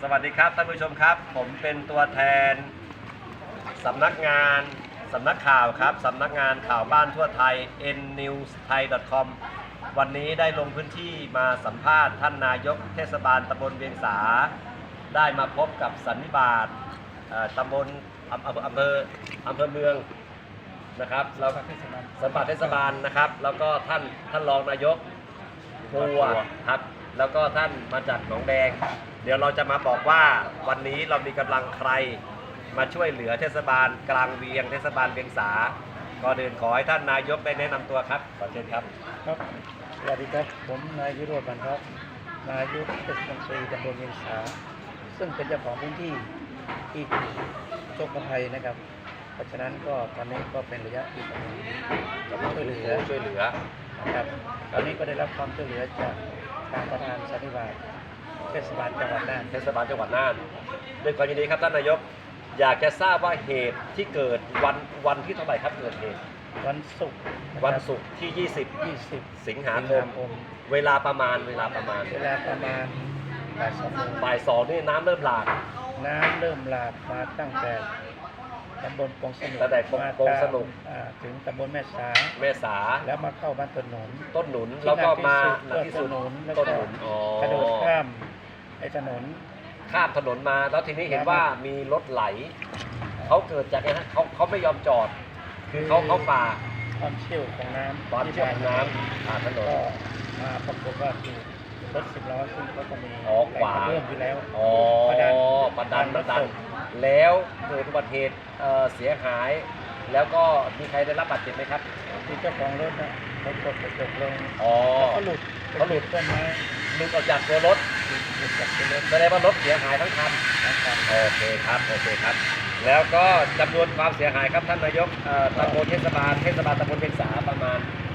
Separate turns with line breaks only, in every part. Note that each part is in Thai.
สวัสดีครับท่านผู้ชมครับผมเป็นตัวแทนสำนักข่าวครับสำนักงานข่าวบ้านทั่วไทย nnewsthai.com วันนี้ได้ลงพื้นที่มาสัมภาษณ์ท่านนายกเทศบาลตำบลเวียงสาได้มาพบกับสันนิบาตตำบลอำเภอเมืองนะครับแล้วสันนิบาตเทศบาลนะครับแล้วก็ท่านรองนายกพัวครับแล้วก็ท่านมาจากหนองแดงเดี๋ยวเราจะมาบอกว่าวันนี้เรามีกำลังใครมาช่วยเหลือเทศบาลกลางเวียงเทศบาลเวียงสาก่อนอื่นขอให้ท่านนายกได้แนะนำตัวครับขอเชิญครับ
ครับสวัสดีครับผมนายวิโรจน์ บรรทัดนายกเทศมนตรีตำบลเวียงสาซึ่งเป็นเจ้าของพื้นที่ที่โชคภัยนะครับเพราะฉะนั้นก็ตอนนี้ก็เป็นระยะที่กำลังช่วยเหลือนะครับตอนนี้ก็ได้รับความช่วยเหลือจากทางประธานสันนิบาตเทศบาลจังหวัดน่าน
ด้วยความยินดีครับท่านนายกอยากจะทราบว่าเหตุที่เกิดวันที่เท่าไหร่ครับเกิดเหตุ
วันศุกร์
ที่20สิงหาคมเวลาประมาณบ่าย 2นี่น้ำเริ่มหลาก
มาตั้งแต่ตำบลปงสนุกถึงตำบลแม่สาแล้วมาเข้าบ้านต้นหนุน
แล้วก็มา
ที่สุดต้นหนุนกระโดดข้าม
ถนนมาแล้วทีนี้เห็นว่ามีรถไหลเขาเกิดจากไงฮะเขาไม่ยอมจอดคือเขาฝ่า
ความเชี่ยวของน้ำ
ผ่านถนน
ก็มาปรากฏว่าถูกรถ10 ล้อซึ่งเขาก็มี
ขวา
เริ่มอยู่แล้ว
ประดันแล้วเกิดอุบัติเหตุเสียหายแล้วก็มีใครได้รับบาดเจ็บไหมครับ
ที่เจ้าของรถนะเขากดกระจกลงเขาหลุดต้นไม้
หลุดออกจากตัวรถแสดงว่ารถเสียหายทั้งคันโอเคครับแล้วก็จำนวนความเสียหายครับท่านนายกตำบลเทศบาลตำบลเวียงสาประมาณ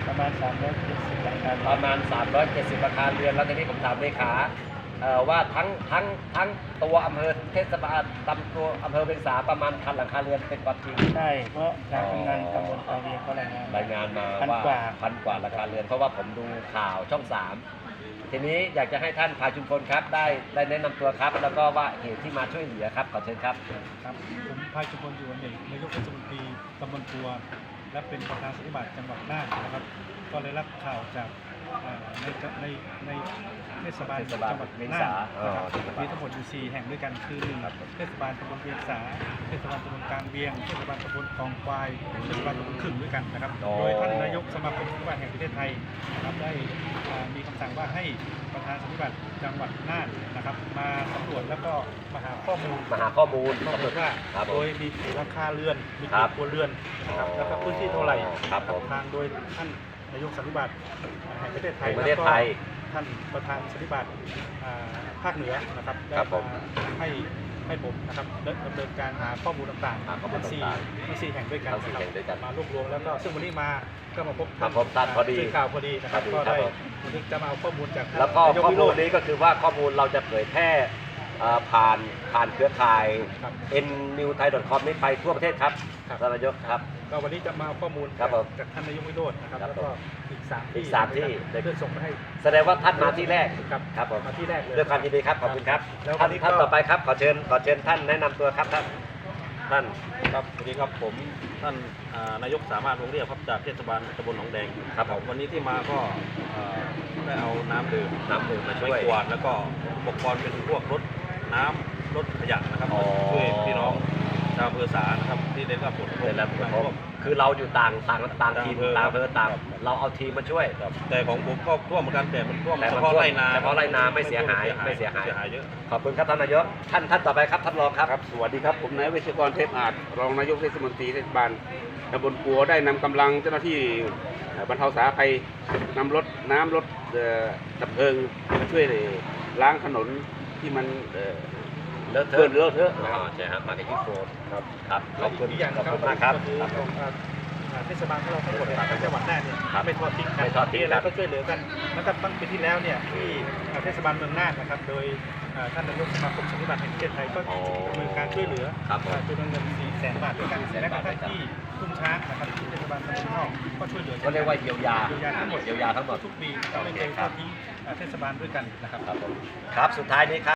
370หลังคา
370หลังคาเรือนแล้วทีนี้ผมถามเลขาว่าทั้งตัวอำเภอเทศบาลตัวอำเภอเวียงสาประมาณ1,000หลังคาเรือนเป็นความจริง
ใช่เพราะการทำงานตำบลตาเวียงเขารายงาน
มาว่า1,000 กว่าหลังคาเรือนเพราะว่าผมดูข่าวช่อง 3ทีนี้อยากจะให้ท่านพาชุมพลครับได้แนะนำตัวครับแล้วก็ว่าเหตุที่มาช่วยเหลือครับขอเชิญครับ
ผมพาชุมพลอยู่วันหนึ่งนายกเทศมนตรีตำบลปัวและเป็นประธานสันนิบาตจังหวัดน่านนะครับก็ได้รับข่าวจากในเทศบาลจังหวัดน่านมีทั้งหมดอยู่4แห่งด้วยกันคือ1เทศบาลตำบลเวียงสาเทศบาลตำบลกลางเวียงเทศบาลตำบลคลองควายเทศบาลตำบลขึ่งด้วยกันนะครับโดยท่านนายกสมาคมสันนิบาตแห่งประเทศไทยนะครับได้มีคำสั่งว่าให้ประธานสันนิบาตจังหวัดน่านนะครับมาสำรวจแล้วก็มาหาข้อมูล
ว่า
โดยมีหลังคาเรือนมีกี่ครัวเรือนนะครับแล้วก็พื้นที่เท่าไหร่ทางโดยท่านนายกสันนิบาตแห่งประเทศไทยแล้วก็ท่านประธานสันนิบาตภาคเหนือนะครับได้ให้ผมนะครับดำเนินการหาข้อมูลต่างๆทั้ง4แห่งด้วยกันมารวบรวมแล้วก็ซึ่งวันนี้ก็มาพบ
ท่านพอดี
ข่าวพอดีนะครับก็ได้จะมาเอาข้อมูลจาก
แล้วก็ข้อมูลนี้ก็คือว่าข้อมูลเราจะเผยแพร่ผ่านเครือข่าย nnewsthai.com นี้ไปทั่วประเทศครับท่านนายกครับ
ก็วันนี้จะมาข้อมูลจากท่านนายกวิโรจน์นะครับแล้วก็อีก3ที่ได้ส่งมาให้
แสดงว่าท่านมาที่แรก
ครับผมมาที่แรกเลย
ด้วยความยินดีครับขอบคุณครับท่านต่อไปครับขอเชิญท่านแนะนำตัวครับท่าน
ครับสวัสดีครับผมท่านนายกสามารถวงเรียบครับจากเทศบาลตำบลหนองแดง
ครับ
วันนี้ที่มาก็ได้เอาน้ำดื่ม
มาช่วย
กวาดแล้วก็อุปกรณ์เป็นพวกรถน้ำรถขยะนะครับช่วยพี่น้องชาวอำเภอสานะครับที่ได้รับผลกระทบ
คือเราอยู่ต่างทีมต่างอำเภอเราเอาทีมมาช่วย
แต่ของผมก็ท่วมเหมือนกันแต่มันท่วมเฉพาะ
ไรนาไม่เสียหาย
เยอะ
ขอบคุณครับท่านนายกท่านต่อไปครับท่านรองครับ
สวัสดีครับผมนายวิศวกรเทพอาจรองนายกเทศมนตรีเทศบาลตำบลปัวได้นำกำลังเจ้าหน้าที่บรรเทาสาธารณภัยนำรถดับเพลิงมาช่วยล้างถนนที่มัน
เลอะเทอะใช่ครับมาจากที่โฟนครับ
ขอบคุณมากครับเทศบาลของเราทั้งหมดในจังหวัดน่านเนี่ยไม่ทอดทิ้งกันแล้วก็ช่วยเหลือกันนะครับตั้งปีที่แล้วเนี่ยที่เทศบาลเมืองน่านนะครับโดยท่านนายกสมาคมสันนิบาตแห่งประเทศไทยก็ดำเนินการช่วยเหลือจำนวนเงิน400,000 บาทด้วยกันและก็ท่านที่ทุ่งช้างนะครับที่เทศบาลตำบลนอกก็ช่วยเหลือ
ก็เรียกว่าเยียวยา
ทั้งหมดทุกปีไม่เคยทอดทิ้งเทศบาลด้วยกันนะครับ
ครับสุดท้ายนี้ครับ